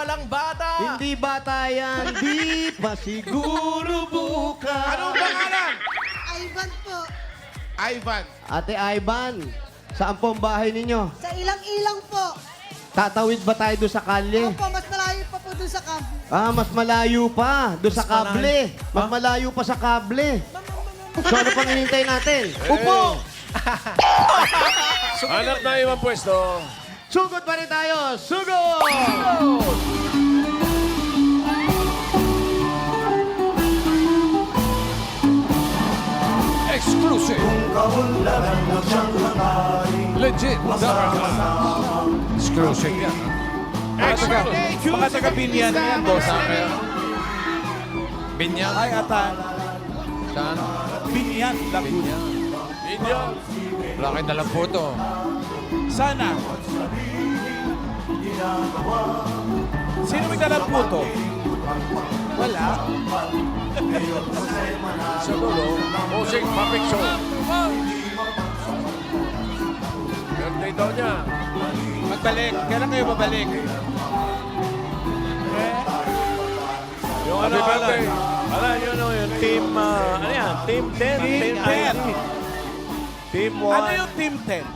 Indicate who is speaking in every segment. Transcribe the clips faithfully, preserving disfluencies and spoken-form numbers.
Speaker 1: walang bata.
Speaker 2: Hindi bata yan, di pa siguro bukas.
Speaker 3: Anong pangalan?
Speaker 4: Ivan po.
Speaker 3: Ivan.
Speaker 2: Ate Ivan, saan po ang bahay ninyo?
Speaker 4: Sa ilang-ilang po.
Speaker 2: Tatawid ba tayo doon sa kalye?
Speaker 4: Opo, mas malayo pa po dun sa kami.
Speaker 2: Ah, mas malayo pa. Doon sa
Speaker 1: Mas malayo.
Speaker 2: kable. Mas malayo pa sa kable. So ano pang hinintay natin? Upo!
Speaker 5: Hanap na ibang pwesto.
Speaker 2: Sugod pa rin tayo! Sugod!
Speaker 5: Exclusive. Legit. Exclusive yan.
Speaker 3: Mga taga,
Speaker 5: Mga taga Binyan na yan, boss. Binyan?
Speaker 6: Ay, atan.
Speaker 5: Saan?
Speaker 6: Binyan, Laguna.
Speaker 5: Binyan. Wala kayong dalang photo.
Speaker 6: Sana. Sino may dalang puto? Wala.
Speaker 5: Sa dulo, Mosing Mapik Show. Birthday daw niya.
Speaker 6: Magbalik. Kailan kayo babalik?
Speaker 1: Yung ano,
Speaker 5: Happy birthday.
Speaker 1: Ano, yun, ano, yun, team, ah, ano yan, team ten,
Speaker 6: Team
Speaker 1: team
Speaker 6: ten.
Speaker 1: Team one.
Speaker 6: Ano yung Team ten?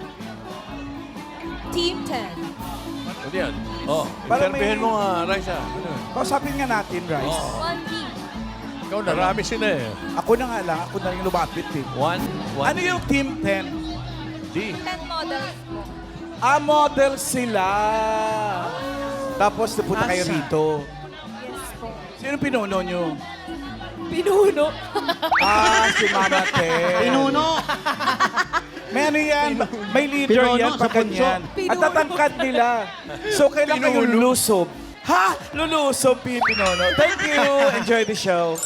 Speaker 7: Team ten.
Speaker 5: Ano yan?
Speaker 1: Oh,
Speaker 6: Parang
Speaker 1: interviewin
Speaker 6: may-
Speaker 1: mo nga, Raisa. Ano yun?
Speaker 6: Kausapin nga natin, Rice.
Speaker 7: One team.
Speaker 5: Ikaw na.
Speaker 1: Marami sila eh.
Speaker 6: Ako na nga lang. Ako na yung lumapit eh.
Speaker 1: One, one.
Speaker 6: Ano yung Team ten?
Speaker 1: D.
Speaker 7: ten models po.
Speaker 6: Ah, model sila. Tapos napunta kayo
Speaker 1: Asa?
Speaker 6: rito.
Speaker 7: Yes po.
Speaker 6: Sino pinuno nyo?
Speaker 7: Pinuno.
Speaker 6: Ah, si Mama Te.
Speaker 2: Pinuno!
Speaker 6: May ano yan, may leader
Speaker 2: Pinuno
Speaker 6: yan
Speaker 2: sa
Speaker 6: pag
Speaker 2: punso.
Speaker 6: ganyan. At tatangkad nila. So, kailan kayo lulusob? Ha? Lulusob, Pi Pinono. Thank you. Enjoy the show.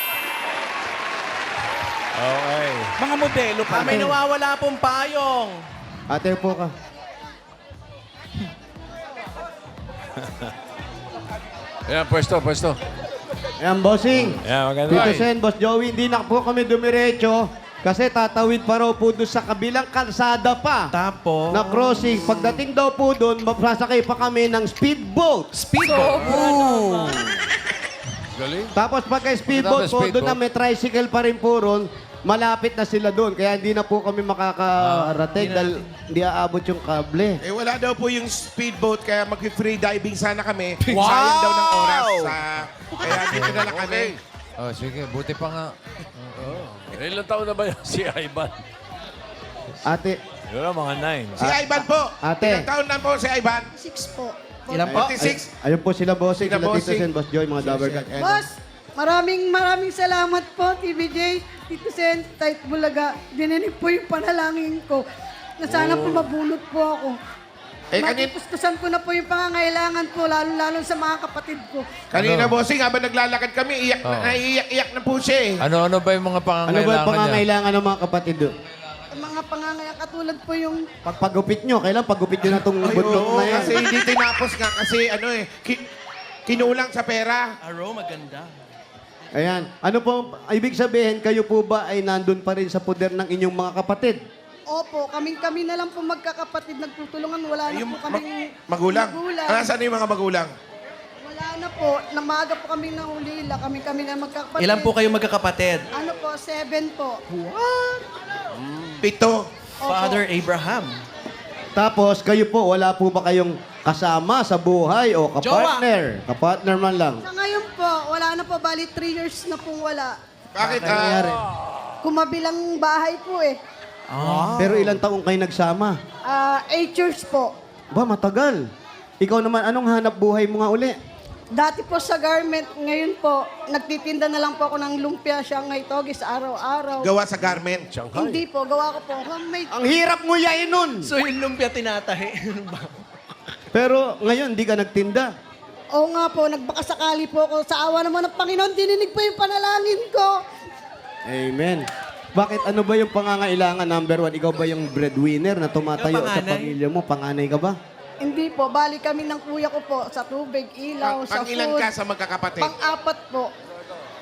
Speaker 1: Okay.
Speaker 6: Mga modelo pa.
Speaker 1: Ah, may nawawala pong payong.
Speaker 2: Ate, upo ka.
Speaker 5: Ayan, pwesto, pwesto.
Speaker 2: Ayan, bossing.
Speaker 1: Yeah, maganda.
Speaker 2: Tito Sen, Boss Joey, hindi na po kami dumiretso kasi tatawid pa raw po doon sa kabilang kalsada pa
Speaker 1: Tapos,
Speaker 2: na crossing. Pagdating daw po doon, magsasakay pa kami ng speedboat.
Speaker 1: speedboat.
Speaker 5: Galing.
Speaker 2: Tapos pagka speedboat
Speaker 5: Tapos
Speaker 2: po,
Speaker 5: speedboat.
Speaker 2: doon na may tricycle pa rin po ron, malapit na sila doon. Kaya hindi na po kami makakarating dahil hindi aabot yung kable.
Speaker 3: Eh, wala daw po yung speedboat, kaya mag-free diving sana kami. Sayang daw ng oras. ah, kaya dito na lang kami.
Speaker 5: Oh, sige, buti pa nga.
Speaker 1: Ilang taon na ba yun si Ivan?
Speaker 2: Ate,
Speaker 1: Yun na, mga nine.
Speaker 3: Si Ivan po.
Speaker 2: Ate.
Speaker 3: Ilang taon na po si Ivan?
Speaker 4: Six po.
Speaker 1: Ilan po?
Speaker 3: forty-six.
Speaker 2: ay, ayun po sila bossing,
Speaker 3: Sila
Speaker 2: sila Tito
Speaker 3: bossing.
Speaker 2: Sen, Boss Joy, mga Dabber Cat.
Speaker 4: Boss, maraming maraming salamat po, T V J, Tito Sen, Tight Bulaga. Dininig po yung panalangin ko na sana po mabunot po ako.
Speaker 3: Eh, kanin,
Speaker 4: Matipustusan ko na po yung pangangailangan po, lalo-lalo sa mga kapatid ko.
Speaker 3: kanina, bossing, habang naglalakad kami, iyak, na, naiiyak-iyak na po siya eh.
Speaker 5: Ano-ano ba yung mga
Speaker 2: Ano ba
Speaker 5: pangangailangan
Speaker 2: yung
Speaker 5: niya?
Speaker 2: pangangailangan ng mga kapatid doon?
Speaker 4: Ang mga pangangailangan, katulad po yung
Speaker 2: Pagpagupit nyo, kailan pagupit nyo na itong
Speaker 3: Ay,
Speaker 2: buntot
Speaker 3: oo,
Speaker 2: na yan?
Speaker 3: kasi hindi tinapos nga kasi ano eh, ki- kinulang sa pera.
Speaker 1: Aro, maganda.
Speaker 2: Ayan. Ano po, ibig sabihin, kayo po ba ay nandun pa rin sa poder ng inyong mga kapatid?
Speaker 4: Opo, kaming-kami na lang po magkakapatid nagtutulungan. Wala na
Speaker 3: Yung
Speaker 4: po
Speaker 3: ma-
Speaker 4: kaming
Speaker 3: magulang.
Speaker 4: magulang.
Speaker 3: Ah, saan yung mga magulang?
Speaker 4: Wala na po. Namaga po kami nahulila. Kami-kami na magkakapatid.
Speaker 1: Ilan po kayo magkakapatid?
Speaker 4: Ano po, seven po.
Speaker 3: Pito.
Speaker 4: Opo.
Speaker 1: Father Abraham.
Speaker 2: Tapos, kayo po, wala po ba kayong kasama sa buhay o kapartner? Kapartner man lang.
Speaker 4: Sa ngayon po, wala na po. Bali, three years na pong wala.
Speaker 3: Bakit?
Speaker 2: Ano
Speaker 3: ah,
Speaker 2: nangyari?
Speaker 4: Kumabilang bahay po eh.
Speaker 2: Pero ilang taong kayo nagsama?
Speaker 4: Ah, eight years po.
Speaker 2: Ba, matagal. Ikaw naman, anong hanap buhay mo nga uli?
Speaker 4: Dati po sa garment, ngayon po, nagtitinda na lang po ako ng lumpia, Shanghai Togis, araw-araw.
Speaker 3: gawa sa garment.
Speaker 4: Hindi po, gawa ko po homemade.
Speaker 2: Ang hirap mo yain nun!
Speaker 1: So yung lumpia tinatahi. Ano ba?
Speaker 2: Pero ngayon, di ka nagtinda.
Speaker 4: Oo nga po, nagbakasakali po ako. Sa awa naman ng Panginoon, dininig po yung panalangin ko.
Speaker 2: Amen. Bakit? Ano ba yung pangangailangan? Number one, ikaw ba yung breadwinner na tumatayo
Speaker 1: Ikaw
Speaker 2: sa
Speaker 1: panganay?
Speaker 2: pamilya mo? Panganay ka ba?
Speaker 4: Hindi po, bali kami ng kuya ko po sa tubig, ilaw,
Speaker 3: Pang,
Speaker 4: sa
Speaker 3: pang ilan
Speaker 4: food.
Speaker 3: ka sa magkakapatid?
Speaker 4: Pang-apat po.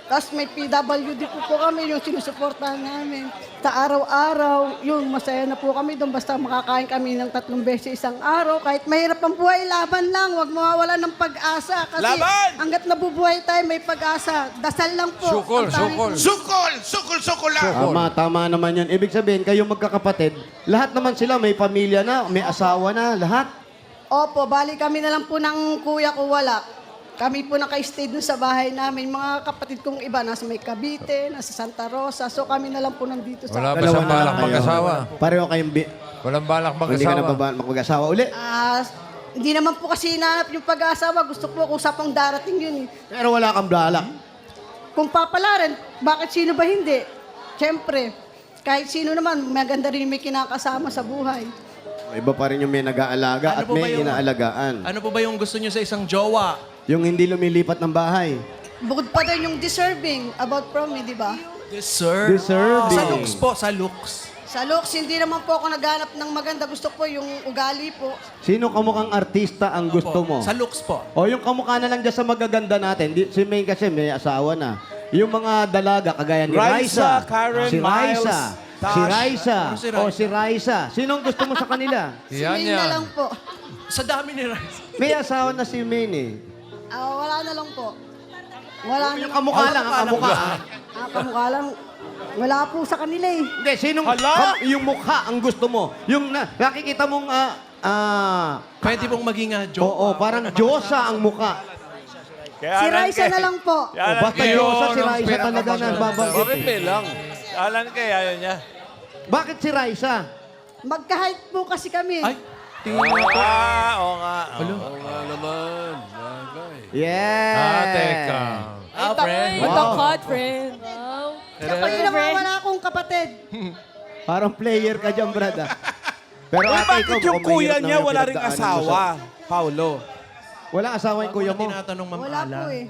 Speaker 4: Tapos may P W D po po kami, yung sinusuportahan namin. Sa araw-araw, yun, masaya na po kami doon. Basta makakain kami ng tatlong beses isang araw. Kahit mahirap ang buhay, laban lang. Huwag mawawala ng pag-asa. Kasi
Speaker 6: Laban!
Speaker 4: hanggat nabubuhay tayo, may pag-asa. Dasal lang po.
Speaker 5: Sukol,
Speaker 4: Ang tanging-
Speaker 5: sukol.
Speaker 3: Sukol! Sukol, sukol lang!
Speaker 2: Tama, tama naman yun. Ibig sabihin, kayong magkakapatid, lahat naman sila may pamilya na, may asawa na, lahat.
Speaker 4: Opo, bali kami na lang po ng kuya ko wala. Kami po naka-stay dun sa bahay namin. Mga kapatid kong iba, nasa may Cavite, nasa Santa Rosa. So kami na lang po nandito sa...
Speaker 5: Wala ba
Speaker 2: Dalawa
Speaker 5: siyang
Speaker 2: na lang
Speaker 5: balak
Speaker 2: kayo.
Speaker 5: mag-asawa?
Speaker 2: Pareho kayong... Bi-
Speaker 5: Walang balak
Speaker 2: hindi ka na
Speaker 5: mag-asawa?
Speaker 2: ba mag-asawa uli?
Speaker 4: Ah, hindi naman po kasi hinahanap yung pag-aasawa. Gusto ko kung sa pang darating yun eh.
Speaker 2: Pero wala kang balak.
Speaker 4: Kung papalaran, bakit sino ba hindi? Siyempre, kahit sino naman, maganda rin may kinakasama sa buhay.
Speaker 2: Iba pa rin yung may nag-aalaga
Speaker 8: Ano
Speaker 2: at
Speaker 8: po ba
Speaker 2: may
Speaker 8: yung-
Speaker 2: inaalagaan.
Speaker 8: Ano po ba yung gusto nyo sa isang jowa?
Speaker 2: Yung hindi lumilipat ng bahay.
Speaker 4: Bukod pa din yung deserving about from me, di ba?
Speaker 8: Deserve.
Speaker 2: Deserving.
Speaker 8: Sa looks po, sa looks.
Speaker 4: Sa looks, hindi naman po ako naghanap ng maganda. Gusto ko yung ugali po.
Speaker 2: Sino kamukhang artista ang gusto mo?
Speaker 8: Sa looks po.
Speaker 2: O yung kamukha na lang dyan sa magaganda natin. Di, si May kasi may asawa na. Yung mga dalaga, kagaya ni
Speaker 6: Raisa,
Speaker 2: Raisa.
Speaker 6: Karen,
Speaker 2: si Raisa.
Speaker 6: Miles,
Speaker 2: Si
Speaker 6: Tash.
Speaker 2: Raisa.
Speaker 8: Ano si
Speaker 2: O si Raisa. Sinong gusto mo sa kanila?
Speaker 4: Si
Speaker 5: Yan
Speaker 4: May na
Speaker 5: yan.
Speaker 4: lang po.
Speaker 8: Sa dami ni Rice.
Speaker 2: May asawa na si May eh.
Speaker 4: Ah, wala na lang po. Wala na
Speaker 2: Yung
Speaker 4: lang.
Speaker 2: kamukha lang, ang kamukha.
Speaker 4: Ah, kamukha lang. Wala po sa kanila eh.
Speaker 2: Hindi, sinong
Speaker 6: Hala!
Speaker 2: kam- yung mukha ang gusto mo? Yung na, nakikita mong ah, ah,
Speaker 8: Pwede pong maging uh, jowa.
Speaker 2: oo, parang Diyosa ang mukha.
Speaker 1: Kaya
Speaker 4: Si
Speaker 1: Alan
Speaker 4: Raisa
Speaker 1: kay-
Speaker 4: na lang po.
Speaker 1: Si
Speaker 2: O
Speaker 1: Alan
Speaker 2: basta
Speaker 1: kay-
Speaker 2: Diyosa si
Speaker 5: Yun ang
Speaker 2: Raisa talaga na babanggit.
Speaker 5: Bakit
Speaker 2: eh.
Speaker 5: may lang?
Speaker 1: Alan kay, ayaw niya.
Speaker 2: Bakit si Raisa?
Speaker 4: Magka-height po kasi kami.
Speaker 8: Ay, tingin mo po.
Speaker 1: Ah, oo nga. oo.
Speaker 5: Oo nga naman. Bagay.
Speaker 2: Yeah.
Speaker 5: Ah, teka.
Speaker 8: Ah, friend.
Speaker 7: What
Speaker 2: Wow.
Speaker 7: a cut, friend. Wow.
Speaker 4: Kapag naman wala akong kapatid.
Speaker 2: Parang player ka dyan, brad. ah. Pero
Speaker 6: Uy,
Speaker 2: ate,
Speaker 6: bakit
Speaker 2: ikaw,
Speaker 6: yung
Speaker 2: mukhang
Speaker 6: kuya
Speaker 2: mahirap
Speaker 6: niya
Speaker 2: naman
Speaker 6: wala ring
Speaker 2: pinagdaanan mo sa-
Speaker 6: asawa? Paulo.
Speaker 2: Wala asawa yung kuya
Speaker 8: Kuya
Speaker 2: mo.
Speaker 8: tinatanong Ma'am
Speaker 4: Wala
Speaker 8: Ala.
Speaker 4: po eh.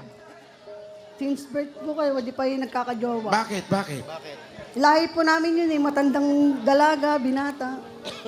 Speaker 4: Since birth po kayo, di pa yung nagkakajowa.
Speaker 3: Bakit? Bakit?
Speaker 4: Lahi po namin yun eh, matandang dalaga, binata.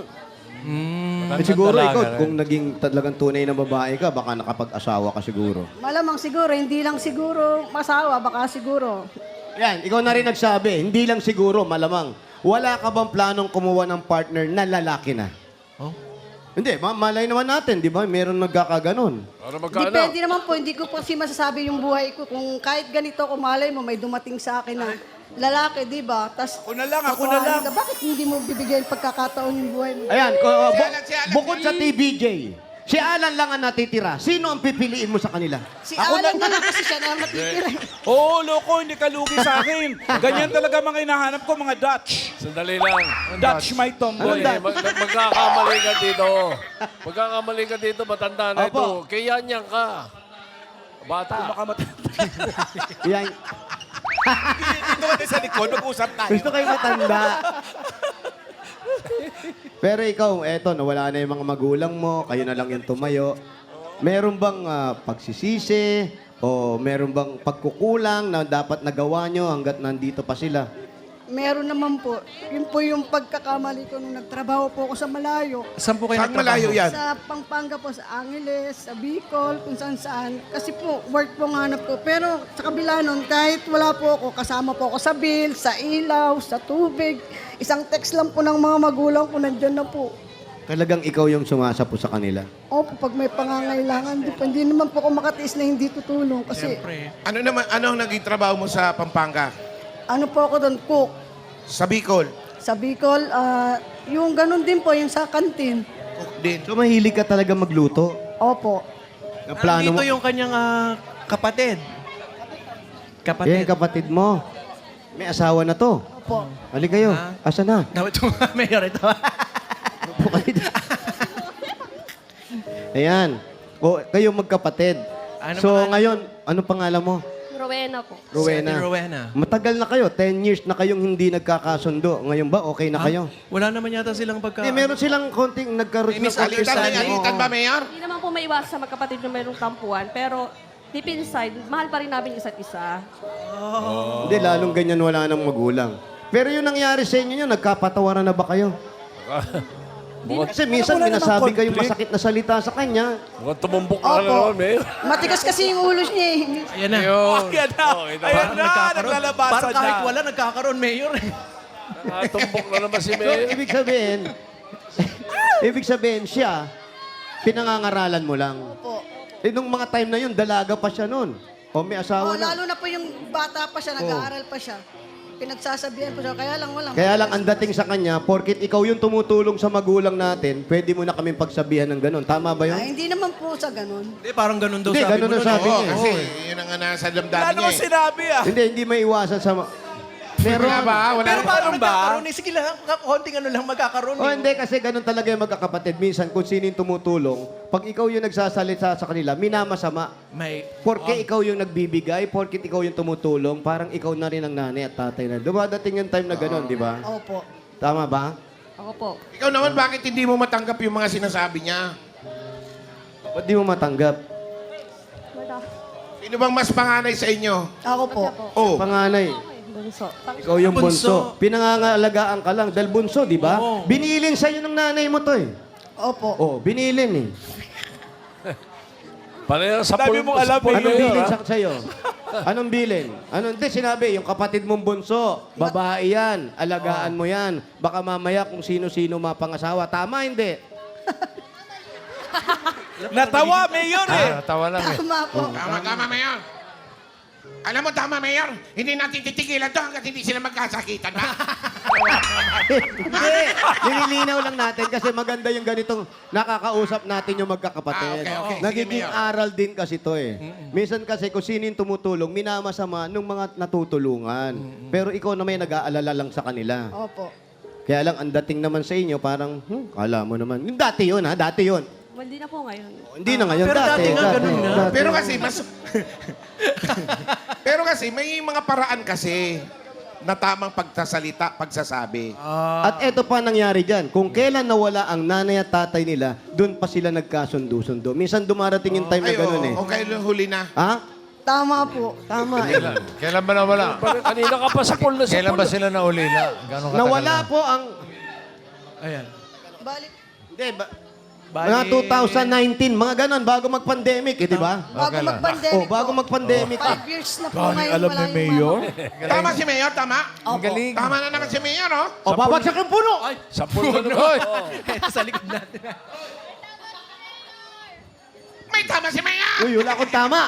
Speaker 2: Eh, siguro ikaw, kung naging talagang tunay na babae ka, baka nakapag-asawa ka siguro.
Speaker 4: Malamang siguro, hindi lang siguro masawa, baka siguro.
Speaker 2: Yan, ikaw na rin nagsabi, hindi lang siguro, malamang. Wala ka bang planong kumuha ng partner na lalaki na?
Speaker 8: Oh?
Speaker 2: Hindi, ma- malay naman natin, di ba? Meron nagkakaganon.
Speaker 5: Para magkano?
Speaker 4: Depende naman po, hindi ko po kasi masasabi yung buhay ko. Kung kahit ganito, kung malay mo, may dumating sa akin na lalaki, di ba? Tas,
Speaker 6: Ako na lang, ako na lang.
Speaker 4: ka, bakit hindi mo bibigyan pagkakataon yung buhay mo?
Speaker 2: Ayan, ko- uh, bu-
Speaker 3: Alan, si Alan,
Speaker 2: bukod sa T B J, si Alan lang ang natitira. Sino ang pipiliin mo sa kanila?
Speaker 4: Si Alan na lang kasi siya na natitira.
Speaker 6: Oo, loko, hindi ka lugi sa akin. Ganyan talaga mga hinahanap ko, mga Dutch.
Speaker 5: Sandali lang. Ang
Speaker 6: Dutch my tomboy.
Speaker 2: Anong
Speaker 5: Eh, mag- magkakamali ka dito. Magkakamali ka dito, matanda na
Speaker 2: Opo.
Speaker 5: ito. Kaya niyan ka. Bata.
Speaker 6: Makamatay.
Speaker 2: Yan,
Speaker 6: Dito ka sa likod, mag-usap tayo.
Speaker 2: gusto kayo matanda. Pero ikaw, eto, nawala na yung mga magulang mo, kayo na lang yung tumayo. Meron bang ah, pagsisisi o meron bang pagkukulang na dapat nagawa nyo hanggat nandito pa sila?
Speaker 4: Meron naman po. Yun po yung pagkakamali ko nung nagtrabaho po ako sa malayo.
Speaker 8: Saan po kayo
Speaker 3: Saan malayo yan?
Speaker 4: Sa Pampanga po, sa Angeles, sa Bicol, kung saan saan. Kasi po, work po ang hanap ko. Pero sa kabila nun, kahit wala po ako, kasama po ako sa bill, sa ilaw, sa tubig. Isang text lang po ng mga magulang ko, nandyan na po.
Speaker 2: Talagang ikaw yung sumasapo sa kanila.
Speaker 4: Opo, pag may pangangailangan, di, pa- hindi naman po ako makatiis na hindi tutulong. Kasi
Speaker 3: Ano naman, ano ang naging trabaho mo sa Pampanga?
Speaker 4: ano po ako doon, cook.
Speaker 3: Sa Bicol?
Speaker 4: Sa Bicol, ah, yung ganun din po, yung sa kantin.
Speaker 3: Cook din.
Speaker 2: So mahilig ka talaga magluto?
Speaker 4: Opo.
Speaker 2: Ang plano mo?
Speaker 8: Dito yung kanyang ah, kapatid.
Speaker 2: Yan,
Speaker 8: Kapatid.
Speaker 2: kapatid mo. May asawa na to.
Speaker 4: Opo.
Speaker 2: Hali kayo.
Speaker 8: Ah.
Speaker 2: Asa na?
Speaker 8: Dapat ito, mayor ito.
Speaker 2: Upo kayo dito. Ayan. O, kayo magkapatid.
Speaker 8: Ano
Speaker 2: so
Speaker 8: pangalan?
Speaker 2: ngayon, ano pangalan mo?
Speaker 7: Rowena po.
Speaker 2: Rowena.
Speaker 8: Si Rowena.
Speaker 2: Matagal na kayo. Ten years na kayong hindi nagkakasundo. Ngayon ba, okay na kayo?
Speaker 8: Wala naman yata silang pagka...
Speaker 2: Hindi, meron silang konting nagkaroon
Speaker 8: May
Speaker 2: ng konting
Speaker 3: Alitan, may
Speaker 8: Understanding.
Speaker 3: alitan ba, Mayor?
Speaker 7: Hindi naman po may iwas sa magkapatid na mayroong tampuan, pero deep inside, mahal pa rin namin isa't isa.
Speaker 2: Hindi, lalong ganyan wala nang magulang. Pero yung nangyari sa inyo yun, nagkapatawaran na ba kayo? Kasi minsan
Speaker 6: Wala namang
Speaker 2: minasabi kayong
Speaker 6: conflict.
Speaker 2: masakit na salita sa kanya.
Speaker 5: Mukhang tumumbok ka na
Speaker 4: Opo.
Speaker 5: naman, Mayor.
Speaker 4: Matigas kasi yung ulo niya eh.
Speaker 8: Ayan na.
Speaker 6: Ayan na.
Speaker 5: Oh, ito.
Speaker 6: Ayan na.
Speaker 8: Nagkakaroon.
Speaker 6: Naglalabasan
Speaker 8: Parang kahit
Speaker 6: na.
Speaker 8: wala, nagkakaroon, Mayor.
Speaker 5: Nakatumbok na naman si
Speaker 2: So,
Speaker 5: Mayor.
Speaker 2: ibig sabihin, ibig sabihin siya, pinangangaralan mo lang.
Speaker 4: Opo.
Speaker 2: Eh, nung mga time na yun, dalaga pa siya nun. O may
Speaker 4: Oh,
Speaker 2: asawa na.
Speaker 4: lalo na po yung bata pa siya, nag-aaral pa siya. Pinagsasabihan po siya, kaya lang walang.
Speaker 2: Kaya lang ang dating sa kanya, porkit ikaw yung tumutulong sa magulang natin, pwede mo na kaming pagsabihan ng ganun. Tama ba yun?
Speaker 4: Ay, hindi naman po sa ganun.
Speaker 8: Hindi, parang ganun daw
Speaker 2: Hindi,
Speaker 8: sabi
Speaker 2: ganun
Speaker 8: mo
Speaker 2: ang
Speaker 8: nun.
Speaker 2: sabi
Speaker 3: Oo,
Speaker 2: niya.
Speaker 3: kasi yun ang nga nasa damdamin
Speaker 6: Wala
Speaker 3: niya
Speaker 6: naman
Speaker 3: eh.
Speaker 6: sinabi ah.
Speaker 2: Hindi, hindi may iwasan sa... ma- Meron.
Speaker 3: Wala ba? Wala
Speaker 8: Pero
Speaker 3: ba?
Speaker 8: paano
Speaker 6: Meron ba?
Speaker 8: magkakaroon? Eh, sige lang, konting ano lang magkakaroon.
Speaker 2: O
Speaker 8: eh.
Speaker 2: hindi, kasi ganun talaga yung magkakapatid. Minsan, kung sino yung tumutulong, pag ikaw yung nagsasalita sa kanila, minamasama.
Speaker 8: May...
Speaker 2: Porke ikaw yung nagbibigay, porke ikaw yung tumutulong, parang ikaw na rin ang nanay at tatay na. Dumadating yung time na ganun, di ba?
Speaker 4: Opo.
Speaker 2: Tama ba?
Speaker 7: Ako po.
Speaker 3: Ikaw naman, bakit hindi mo matanggap yung mga sinasabi niya?
Speaker 2: Ba't di mo matanggap?
Speaker 7: Wala.
Speaker 3: Sino bang mas panganay sa inyo?
Speaker 4: Ako po.
Speaker 3: Oh,
Speaker 2: Panganay.
Speaker 7: Bunso.
Speaker 2: Ikaw yung bunso.
Speaker 8: Bunso.
Speaker 2: Pinangangalagaan ka lang. Dahil bunso, di ba?
Speaker 8: Oo.
Speaker 2: Binilin sa'yo ng nanay mo to eh.
Speaker 4: Opo.
Speaker 2: Oh, binilin eh.
Speaker 5: Pareho sa
Speaker 6: Dami
Speaker 5: pul-
Speaker 6: mong alam,
Speaker 5: sa pul-
Speaker 6: eh.
Speaker 2: Anong
Speaker 5: Mayor,
Speaker 2: bilin
Speaker 5: ha?
Speaker 2: sa sa'yo? Anong bilin? Anong, hindi, sinabi, yung kapatid mong bunso, babae yan, alagaan mo yan. Baka mamaya kung sino-sino mapangasawa. Tama, hindi?
Speaker 6: Natawa, Mayor eh.
Speaker 5: Tawa lang eh.
Speaker 4: Tama po.
Speaker 3: tama, tama, Mayor. Alam mo, tama, Mayor. Hindi natin titigilan to hanggat hindi sila magkasakitan, ha?
Speaker 2: Hindi. Nililinaw lang natin kasi maganda yung ganitong nakakausap natin yung magkakapatid.
Speaker 3: Ah, okay, okay. Sige,
Speaker 2: Nagiging
Speaker 3: Mayor.
Speaker 2: aral din kasi to eh. Minsan kasi kung sino yung tumutulong, minamasama nung mga natutulungan. Pero ikaw na may nag-aalala lang sa kanila.
Speaker 4: Opo.
Speaker 2: Kaya lang, ang dating naman sa inyo, parang, hmm, kala mo naman. Yung dati yun, ha? Dati yun.
Speaker 7: Well, hindi na po ngayon.
Speaker 2: Hindi na ngayon,
Speaker 8: Pero
Speaker 2: dati.
Speaker 8: dati nga, ganun nga.
Speaker 2: dati.
Speaker 3: Pero kasi, mas... Pero kasi, may mga paraan kasi na tamang pagsasalita, pagsasabi.
Speaker 2: At eto pa nangyari dyan. Kung kailan nawala ang nanay at tatay nila, doon pa sila nagkasundo-sundo. Minsan dumarating yung time na
Speaker 3: Ay,
Speaker 2: ganun
Speaker 3: oo,
Speaker 2: eh.
Speaker 3: okay, huli na.
Speaker 2: Ha?
Speaker 4: Tama po.
Speaker 2: Tama eh.
Speaker 9: Kailan ba nawala?
Speaker 5: Parang kanina ka pa sa pool na sa
Speaker 9: Kailan
Speaker 5: pool.
Speaker 9: ba sila naulila? Gano'ng katagal
Speaker 2: Nawala
Speaker 9: na?
Speaker 2: po ang...
Speaker 8: Ayan.
Speaker 4: Balik.
Speaker 2: Hindi, ba,
Speaker 6: Bali-
Speaker 2: mga two thousand nineteen, mga ganun, bago mag-pandemic eh, di ba?
Speaker 4: Bago
Speaker 9: Okay lang.
Speaker 4: mag-pandemic
Speaker 2: Oh, bago
Speaker 4: po.
Speaker 2: mag-pandemic.
Speaker 4: Five years na po
Speaker 6: Galing
Speaker 4: ngayon.
Speaker 6: alam
Speaker 4: wala
Speaker 6: ni
Speaker 4: yung
Speaker 6: Mayor.
Speaker 4: mama.
Speaker 3: Tama si Mayor, tama?
Speaker 4: Opo.
Speaker 9: Galing.
Speaker 3: Tama na naman si Mayor, oh.
Speaker 2: O, babagsak yung puno!
Speaker 5: Sa pool na naman.
Speaker 8: Ito sa likod natin.
Speaker 3: May tama si Mayor!
Speaker 2: Uy, wala akong tama.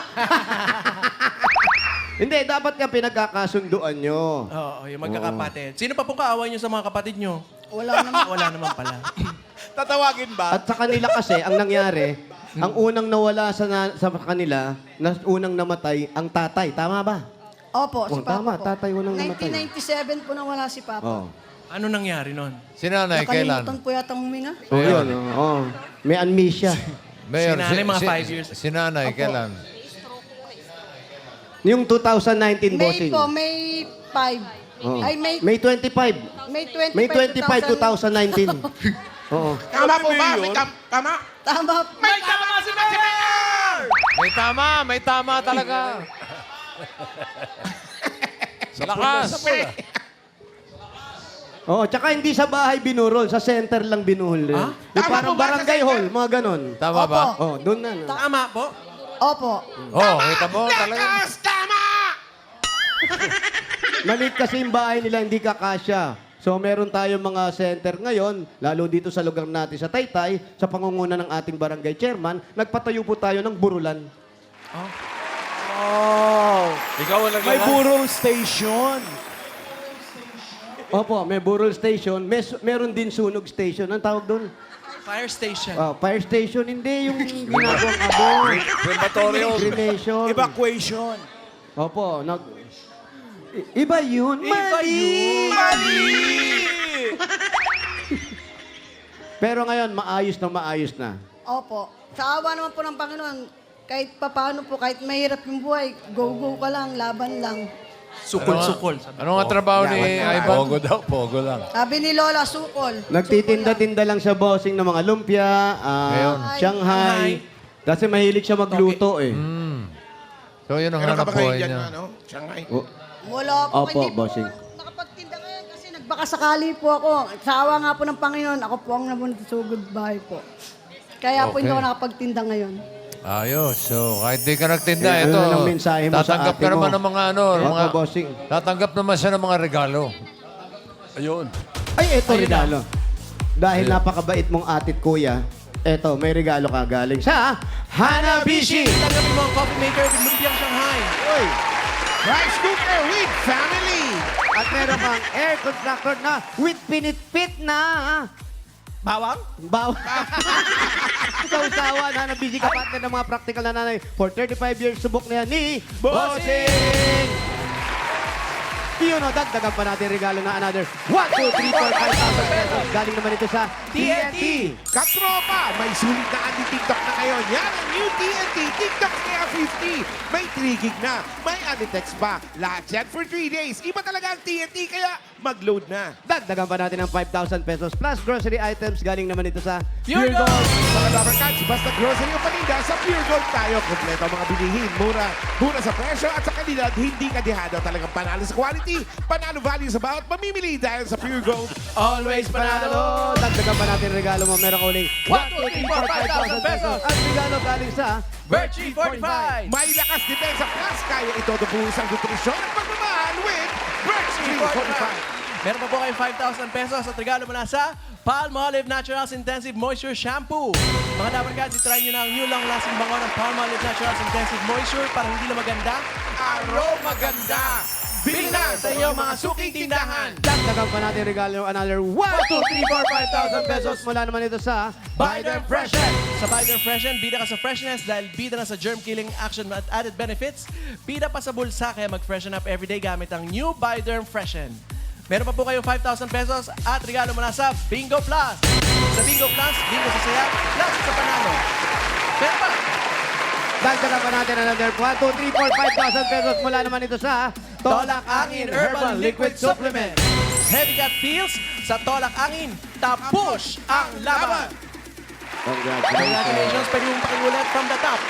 Speaker 2: Hindi, dapat nga pinagkakasunduan nyo.
Speaker 8: Oo, yung magkakapatid. Sino pa pong kaaway niyo sa mga kapatid niyo?
Speaker 4: Wala naman.
Speaker 8: Wala naman pala.
Speaker 6: Tatawagin ba?
Speaker 2: At sa kanila kasi, ang nangyari, ang unang nawala sa, na- sa kanila, na unang namatay, ang tatay. Tama ba?
Speaker 4: Opo, si
Speaker 2: Oh,
Speaker 4: Papa
Speaker 2: tama,
Speaker 4: po.
Speaker 2: tatay unang namatay.
Speaker 4: nineteen ninety-seven po nang wala si Papa.
Speaker 2: Oh.
Speaker 8: Ano nangyari nun?
Speaker 9: Sinanay, kailan?
Speaker 4: Nakalimutan po yata huminga.
Speaker 2: Oh, yun. Oh, oh. May amnesia.
Speaker 9: Mayor,
Speaker 8: Sinanay, mga five years.
Speaker 9: Sinanay, kailan?
Speaker 2: Yung two thousand nineteen,
Speaker 4: May
Speaker 2: bossing.
Speaker 4: po, May five.
Speaker 2: Oo.
Speaker 4: Ay, May,
Speaker 2: May twenty-five.
Speaker 4: May twenty-five,
Speaker 2: May twenty-five, two thousand nineteen. Oo.
Speaker 3: Tama po ba?
Speaker 6: Mayor?
Speaker 3: May tam- tama?
Speaker 4: Tama.
Speaker 3: May tama si Mayor!
Speaker 9: May tama, may tama talaga.
Speaker 5: Sa lakas.
Speaker 2: Oo, tsaka hindi sa bahay binurol, sa center lang binuhol. rin. Yung
Speaker 3: Tama
Speaker 2: parang
Speaker 3: po ba sa
Speaker 2: barangay
Speaker 3: center?
Speaker 2: hall, mga ganon.
Speaker 9: Tama ba?
Speaker 2: Oh, doon na. no?
Speaker 8: Tama po.
Speaker 4: Opo.
Speaker 9: Oo, oh, kita mo talaga.
Speaker 3: Lakas! Tama!
Speaker 2: Maliit kasi yung bahay nila, hindi kakasya. So meron tayong mga center ngayon, lalo dito sa lugar natin sa Taytay, sa pangunguna ng ating barangay chairman, nagpatayo po tayo ng burulan.
Speaker 6: Oh.
Speaker 5: Ikaw ang
Speaker 6: May
Speaker 5: naglalas.
Speaker 6: burol station.
Speaker 2: Opo, may burol station, may, su- meron din sunog station. Anong tawag doon?
Speaker 8: Fire station.
Speaker 2: Ah, fire station, hindi yung ginagawang abon.
Speaker 5: Crematorium.
Speaker 2: Cremation.
Speaker 6: Evacuation.
Speaker 2: Opo, nag... I- iba yun. Mali!
Speaker 6: Mali!
Speaker 2: Pero ngayon, maayos na maayos na.
Speaker 4: Opo. Sa awa naman po ng Panginoon, kahit papaano po, kahit mahirap yung buhay, go-go ka lang, laban lang.
Speaker 8: Sukol-sukol.
Speaker 9: Ano nga trabaho ni Ivan?
Speaker 5: Pogo daw, pogo lang.
Speaker 4: Sabi ni Lola, sukol.
Speaker 2: Nagtitinda-tinda lang siya bossing ng mga lumpia, ah,
Speaker 9: Ngayon.
Speaker 2: Shanghai. Kasi mahilig siya magluto eh.
Speaker 9: So, yun ang
Speaker 3: Meron ka
Speaker 9: hanap
Speaker 3: ba kayo
Speaker 9: buhay
Speaker 3: dyan,
Speaker 9: niya.
Speaker 3: ano? Shanghai.
Speaker 2: Oh,
Speaker 4: Wala po.
Speaker 2: Opo,
Speaker 4: hindi po
Speaker 2: bossing.
Speaker 4: nakapagtinda ngayon kasi nag baka sakali po ako, sa awa nga po ng Panginoon, ako po ang namunod sa goodbye po. Kaya po hindi
Speaker 9: Okay.
Speaker 4: ako nakapagtinda ngayon.
Speaker 9: Ayos. So, kahit di ka nagtinda,
Speaker 2: Eh,
Speaker 9: ito.
Speaker 2: ano ang mensahe mo sa
Speaker 9: tatanggap
Speaker 2: ate
Speaker 9: ka naman
Speaker 2: mo?
Speaker 9: ng mga ano,
Speaker 2: Opo,
Speaker 9: mga,
Speaker 2: bossing.
Speaker 9: tatanggap naman siya ng mga regalo.
Speaker 5: Ayun.
Speaker 2: Ay, eto regalo. Dahil napakabait mong atit kuya, eto, may regalo ka galing sa Hanabishi!
Speaker 8: Tanggapin mo ang coffee maker with Lumpiang Shanghai.
Speaker 2: Uy!
Speaker 3: Rice cooker with family.
Speaker 2: At meron kang air contractor na with pinitpit na
Speaker 6: Bawang?
Speaker 2: baw. Sausawa na Hanabishi, kapatid ng mga practical na nanay. For thirty-five years, subok na yan ni Bossing! Yun o, dagdagan pa natin regalo na another one, two, three, four, five thousand pesos. Galing naman ito sa T N T.
Speaker 3: Katropa, may sulit na anti-TikTok na ngayon. Yan ang new T N T TikTok Air fifty. May three gig na, may anti-text pa. Lahat yan for three days. Iba talaga ang T N T, kaya mag-load na.
Speaker 2: Dagdagan pa natin ng five thousand pesos plus grocery items. Galing naman ito sa
Speaker 8: Pure Gold!
Speaker 3: Mga Rubber Cats, basta grocery o paninda, sa Pure Gold tayo. Kompleto ang mga bilihin, mura, mura sa presyo at sa kalidad, hindi kadihado. Talagang panalo sa quality, panalo value sa bawat mamimili dahil sa Pure Gold.
Speaker 6: Always panalo!
Speaker 2: Dagdagan pa natin regalo mo. Meron ka uling one, two, three, four, five thousand pesos. At regalo galing sa
Speaker 6: Virtue forty-five!
Speaker 3: May lakas depensa plus, kaya ito dubuhos ang nutrisyon at pagmamahal with Virtue forty-five.
Speaker 8: Meron pa po kayong five thousand pesos at regalo mula sa Palmolive Naturals Intensive Moisture Shampoo. Mga dapat guys, itry nyo na ang new long-lasting bango ng Palmolive Naturals Intensive Moisture para hindi lang maganda, aroma ganda. Bili na sa iyong mga suking tindahan.
Speaker 2: Dagdagan pa natin regalo another one, two, three, four, five thousand pesos. Mula naman ito sa
Speaker 8: Biden Freshen! Sa Biden Freshen, bida ka sa freshness dahil bida na sa germ-killing action at added benefits. Bida pa sa bulsa kaya mag-freshen up everyday gamit ang new Biden Freshen. Meron pa po kayong five thousand pesos at regalo mula sa Bingo Plus. Sa Bingo Plus, bingo sa saya, plus sa panalo. Meron pa!
Speaker 2: Dagdagan pa natin another one, two, three, four, five thousand pesos. Mula naman ito sa
Speaker 8: Tolak Angin Herbal Liquid Supplement. Heavy gut feels sa Tolak Angin. Tapush ang laban.
Speaker 2: Congratulations.
Speaker 8: Congratulations, pwede mong pakiulit from the top.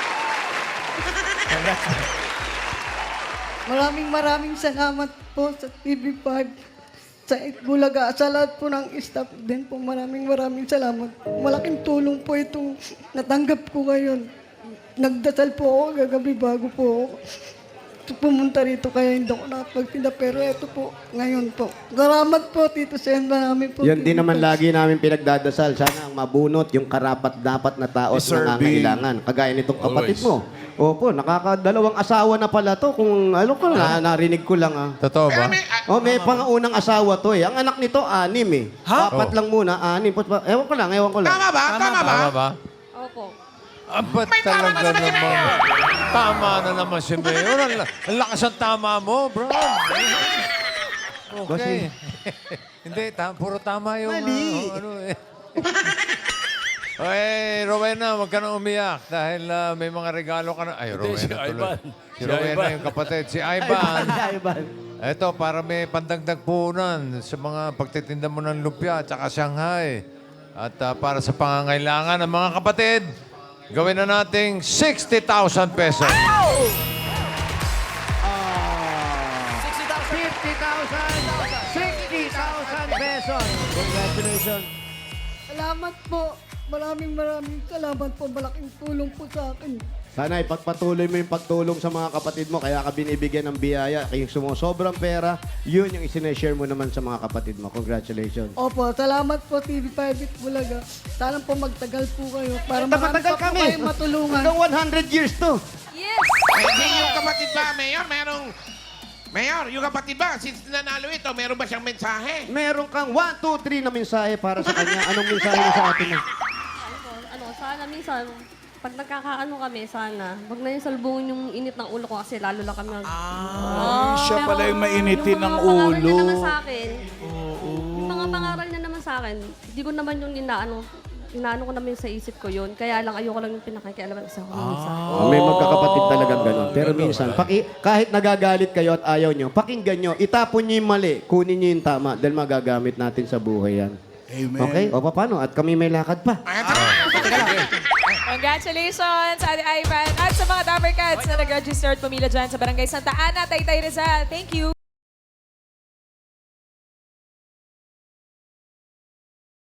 Speaker 4: Maraming maraming salamat po sa T V five, sa Bulaga, sa lahat po ng staff din po. Maraming maraming salamat. Malaking tulong po itong natanggap ko ngayon. Nagdasal po ako gagabi bago po ako pumunta rito kaya hindi ako nakapagtinda. Pero ito po, ngayon po. Salamat po, Tito Sen. Marami po.
Speaker 2: Yan din
Speaker 4: Tito
Speaker 2: naman
Speaker 4: Sen.
Speaker 2: lagi namin pinagdadasal. Sana ang mabunot yung karapat-dapat na tao at nangangailangan. Kagaya nitong kapatid mo. Opo, nakakadalawang asawa na pala to. Kung ano ko na, narinig ko lang ah.
Speaker 9: Totoo ba?
Speaker 2: Oh, may pangaunang asawa to eh. Ang anak nito, anim eh. Apat
Speaker 9: Oh.
Speaker 2: lang muna, anim. Pa- Ewan ko lang, ewan ko lang.
Speaker 3: Tama ba? Tama, ba?
Speaker 9: Tama ba?
Speaker 7: Opo.
Speaker 9: Ah, ba't talaga naman? Tama na naman si Mayor. Ang la- ang lakas ang tama mo, bro. Okay. Hindi, ta- puro tama yung...
Speaker 2: Mali.
Speaker 9: ah, ano eh. Okay, Rowena, huwag ka na umiyak dahil ah, may mga regalo ka na. Ay,
Speaker 5: Hindi, si
Speaker 9: Rowena tuloy.
Speaker 5: Ivan.
Speaker 9: Si
Speaker 5: Si
Speaker 9: Rowena
Speaker 5: Ivan.
Speaker 9: yung kapatid. Si Ivan.
Speaker 2: Ay, Ivan.
Speaker 9: Ito, para may pandagdag puhunan sa mga pagtitinda mo ng lumpia at saka Shanghai. At ah, para sa pangangailangan ng mga kapatid, gawin na nating sixty thousand pesos.
Speaker 8: sixty thousand.
Speaker 2: fifty thousand, sixty thousand pesos. Congratulations.
Speaker 4: Salamat po. Maraming maraming salamat po. Malaking tulong po sa akin.
Speaker 2: Sana ipagpatuloy mo yung pagtulong sa mga kapatid mo, kaya ka binibigyan ng biyaya, kaya yung sumusobrang pera, yun yung isineshare mo naman sa mga kapatid mo. Congratulations.
Speaker 4: Opo, salamat po T V five at Bulaga. Sana po magtagal po kayo para marami
Speaker 2: Matagal
Speaker 4: pa po
Speaker 2: kami.
Speaker 4: kayong matulungan.
Speaker 2: Hanggang one hundred years to.
Speaker 7: Yes!
Speaker 3: Hindi yung kapatid ba, Mayor? Merong... Mayor, yung kapatid ba, since nanalo ito, meron ba siyang mensahe?
Speaker 2: Meron kang one, two, three na mensahe para sa kanya. Anong mensahe mo sa atin mo?
Speaker 7: Ano, ano, sana minsan, pag nagkakaano kami, sana, wag na yung salbungin yung init ng ulo ko kasi lalo lang kami mag...
Speaker 6: Ah, siya
Speaker 7: Pero
Speaker 6: pala yung mainitin
Speaker 7: yung
Speaker 6: ng
Speaker 7: mga pangaral niya
Speaker 6: ulo.
Speaker 7: naman sa akin, yung mga pangaral niya naman sa akin, hindi ko naman yung inaano, inaano ko naman sa isip ko yun. Kaya lang ayoko lang yung pinakikialaman kasi ako minsan.
Speaker 2: Oh, may magkakapatid talagang ganun. Pero minsan, paki, kahit nagagalit kayo at ayaw nyo, pakinggan nyo, itapon nyo yung mali, kunin nyo yung tama, dahil magagamit natin sa buhay yan.
Speaker 6: Amen.
Speaker 2: Okay? O paano? At kami may lakad pa.
Speaker 10: Congratulations, Ate Ivan. At sa mga Dapper Cats na nag-register at pumila dyan sa Barangay Santa Ana, Taytay Rizal. Thank you.